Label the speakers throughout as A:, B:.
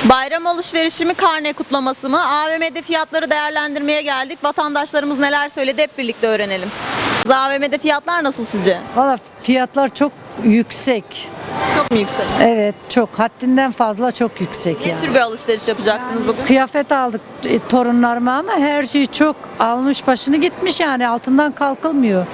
A: Bayram alışverişi mi, karne kutlaması mı? AVM'de fiyatları değerlendirmeye geldik. Vatandaşlarımız neler söyledi hep birlikte öğrenelim. AVM'de fiyatlar nasıl sizce?
B: Valla fiyatlar çok yüksek.
A: Çok mu yüksek?
B: Evet, çok haddinden fazla çok yüksek
A: Ne
B: yani.
A: tür bir alışveriş yapacaktınız bugün?
B: Kıyafet aldık torunlarıma ama her şey çok almış başını gitmiş yani altından kalkılmıyor.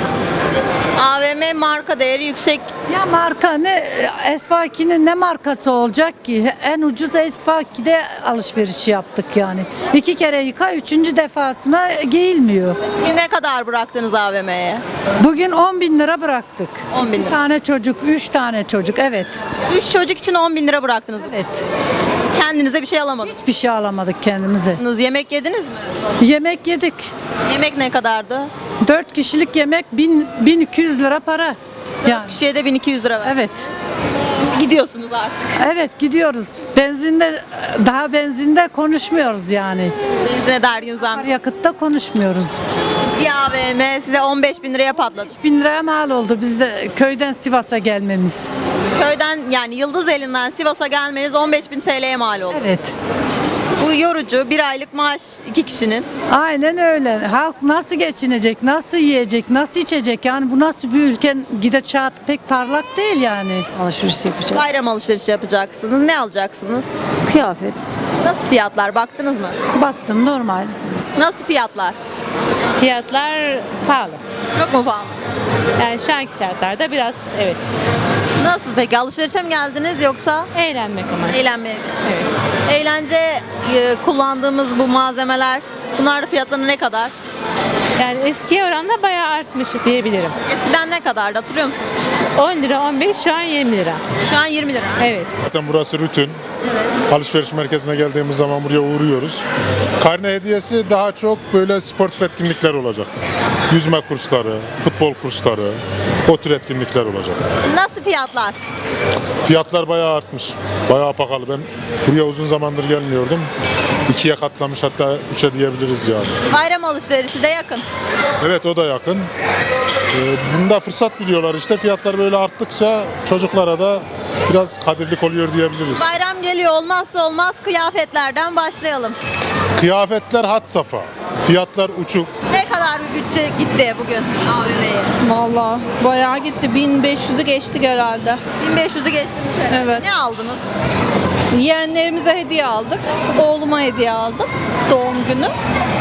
A: AVM marka değeri yüksek.
B: Ya marka ne Esfaki'nin ne markası olacak ki? En ucuz Esfaki'de alışveriş yaptık yani. 2 kere yıka 3. defasına giyilmiyor.
A: Bugün ne kadar bıraktınız AVM'ye?
B: Bugün 10 bin lira bıraktık.
A: 10 bin
B: Bir
A: lira.
B: tane çocuk, 3 tane çocuk evet.
A: 3 çocuk için 10 bin lira bıraktınız.
B: Evet.
A: Kendinize bir şey alamadınız.
B: Bir şey alamadık kendimize.
A: Yemek yediniz mi?
B: Yemek yedik.
A: Yemek ne kadardı?
B: 4 kişilik yemek 1200 lira para. Yani.
A: Kişiye de 1200 lira ver.
B: Evet.
A: Gidiyorsunuz artık.
B: Evet gidiyoruz. Benzinde konuşmuyoruz yani.
A: Benzine dergin zam.
B: Yakıtta konuşmuyoruz.
A: Bir AVM size 15 bin liraya patladı.
B: 1000 liraya mal oldu biz de köyden Sivas'a gelmemiz.
A: Köyden yani Yıldızeli'nden Sivas'a gelmeniz 15 bin TL'ye mal oldu.
B: Evet.
A: Bu yorucu, bir aylık maaş 2 kişinin.
B: Aynen öyle. Halk nasıl geçinecek, nasıl yiyecek, nasıl içecek? Yani bu nasıl bir ülke gidişat pek parlak değil yani. Alışveriş yapacağız.
A: Bayram alışverişi yapacaksınız. Ne alacaksınız?
B: Kıyafet.
A: Nasıl fiyatlar? Baktınız mı?
B: Baktım normal.
A: Nasıl fiyatlar?
C: Fiyatlar pahalı.
A: Çok mu pahalı?
C: Yani şu anki şartlarda biraz evet.
A: Nasıl peki? Alışverişe mi geldiniz yoksa
C: Eğlenmek ama.
A: eğlenmeye mi?
C: Evet.
A: Eğlence kullandığımız bu malzemeler, bunlar fiyatları ne kadar?
C: Yani eskiye oranla bayağı artmış diyebilirim.
A: Eskiden ne kadardı hatırlıyor musun?
C: 10 lira 15 şu an 20 lira.
A: Şu an 20 lira.
C: Evet.
D: Zaten burası rutin. Alışveriş merkezine geldiğimiz zaman buraya uğruyoruz. Karne hediyesi daha çok böyle sportif etkinlikler olacak. Yüzme kursları, futbol kursları, o tür etkinlikler olacak.
A: Nasıl fiyatlar?
D: Fiyatlar bayağı artmış. Bayağı pahalı. Ben buraya uzun zamandır gelmiyordum. 2'ye katlamış hatta 3'e diyebiliriz yani.
A: Bayram alışverişi de yakın.
D: Evet o da yakın. Bunda fırsat biliyorlar işte. Fiyatlar böyle arttıkça çocuklara da biraz kadirlik oluyor diyebiliriz.
A: Bayram geliyor, olmazsa olmaz kıyafetlerden başlayalım.
D: Kıyafetler had safha. Fiyatlar uçuk.
A: Ne kadar bir bütçe gitti bugün AVM'ye?
E: Vallahi bayağı gitti. 1500'ü geçtik herhalde.
A: 1500'ü geçtiniz.
E: Evet.
A: Ne aldınız?
E: Yeğenlerimize hediye aldık. Oğluma hediye aldım. Doğum günü.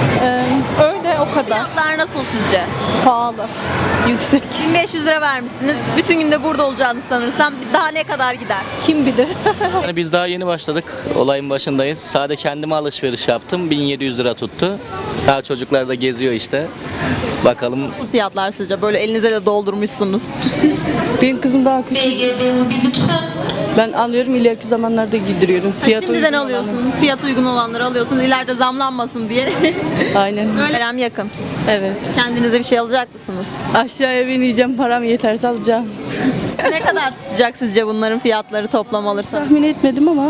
E: Öyle o kadar.
A: Fiyatlar nasıl sizce?
E: Pahalı. Yüksek.
A: 1500 lira vermişsiniz. Bütün günde burada olacağını sanırsam daha ne kadar gider?
E: Kim bilir.
F: Yani biz daha yeni başladık. Olayın başındayız. Sadece kendime alışveriş yaptım. 1700 lira tuttu. Daha çocuklar da geziyor işte. Bakalım.
A: Bu fiyatlar sizce? Böyle elinize de doldurmuşsunuz.
G: Benim kızım daha küçük. Ben alıyorum ileriki zamanlarda giydiriyorum.
A: Şimdiden
G: uygun
A: alıyorsunuz. Fiyat uygun olanları alıyorsunuz. İleride zamlanmasın diye.
G: olanı. Aynen.
A: Böyle bayram yakın.
G: Evet.
A: Kendinize bir şey alacak mısınız?
G: Aşağıya bineceğim param yeterse alacağım.
A: Ne kadar tutacak sizce bunların fiyatları toplam alırsanız?
G: Tahmin etmedim ama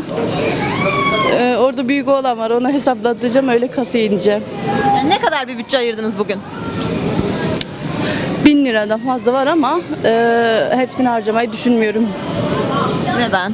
G: orada büyük oğlan var. Ona hesaplatacağım öyle kasaya ineceğim.
A: Yani ne kadar bir bütçe ayırdınız bugün?
G: 1000 liradan fazla var ama hepsini harcamayı düşünmüyorum.
A: Neden?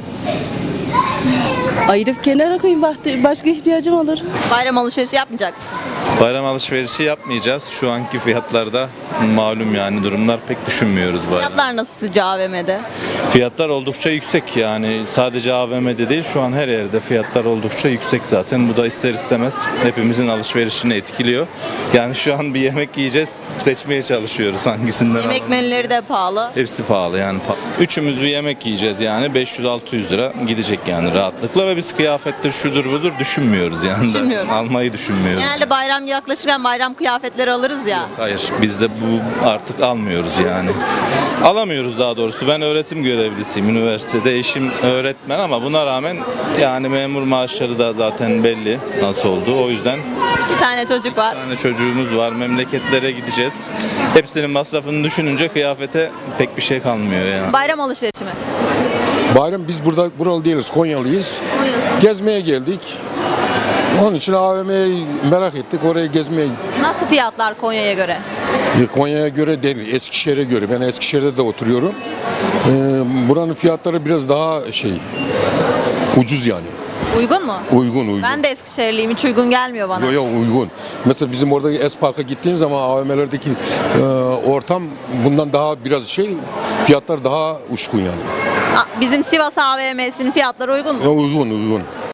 G: Ayırıp kenara koyayım başka ihtiyacım olur.
A: Bayram alışverişi yapmayacak mısınız?
H: Bayram alışverişi yapmayacağız. Şu anki fiyatlarda malum yani durumlar pek düşünmüyoruz bayram.
A: Fiyatlar nasıl sizce AVM'de?
H: Fiyatlar oldukça yüksek yani sadece AVM'de değil şu an her yerde fiyatlar oldukça yüksek zaten. Bu da ister istemez hepimizin alışverişini etkiliyor. Yani şu an bir yemek yiyeceğiz seçmeye çalışıyoruz hangisinden
A: Yemek
H: alalım.
A: menüleri de pahalı.
H: Hepsi pahalı yani. Üçümüz bir yemek yiyeceğiz yani 500-600 lira gidecek yani rahatlıkla ve biz kıyafettir şudur budur düşünmüyoruz yani.
A: Düşünmüyorum.
H: Almayı düşünmüyoruz.
A: Genelde bayram yaklaşırken bayram kıyafetleri alırız ya.
H: Hayır, biz de bu artık almıyoruz yani. Alamıyoruz daha doğrusu. Ben öğretim görevlisiyim üniversitede. Eşim öğretmen ama buna rağmen yani memur maaşları da zaten belli nasıl olduğu. O yüzden
A: 2 tane çocuk var.
H: bir tane çocuğumuz var. Memleketlere gideceğiz. Hepsinin masrafını düşününce kıyafete pek bir şey kalmıyor yani.
A: Bayram alışverişi mi?
I: Bayram biz burada buralı değiliz, Konyalıyız. Gezmeye geldik. Onun için AVM'yi merak ettik, oraya gezmeye.
A: Nasıl fiyatlar Konya'ya göre?
I: Konya'ya göre değil, Eskişehir'e göre. Ben Eskişehir'de de oturuyorum. Buranın fiyatları biraz daha ucuz yani.
A: Uygun mu?
I: Uygun.
A: Ben de Eskişehirliyim, hiç uygun gelmiyor bana.
I: Yok uygun. Mesela bizim orada Espark'a gittiğin zaman AVM'lerdeki ortam bundan daha biraz fiyatlar daha uçkun yani.
A: Bizim Sivas AVM'sinin fiyatları uygun mu?
I: Uygun.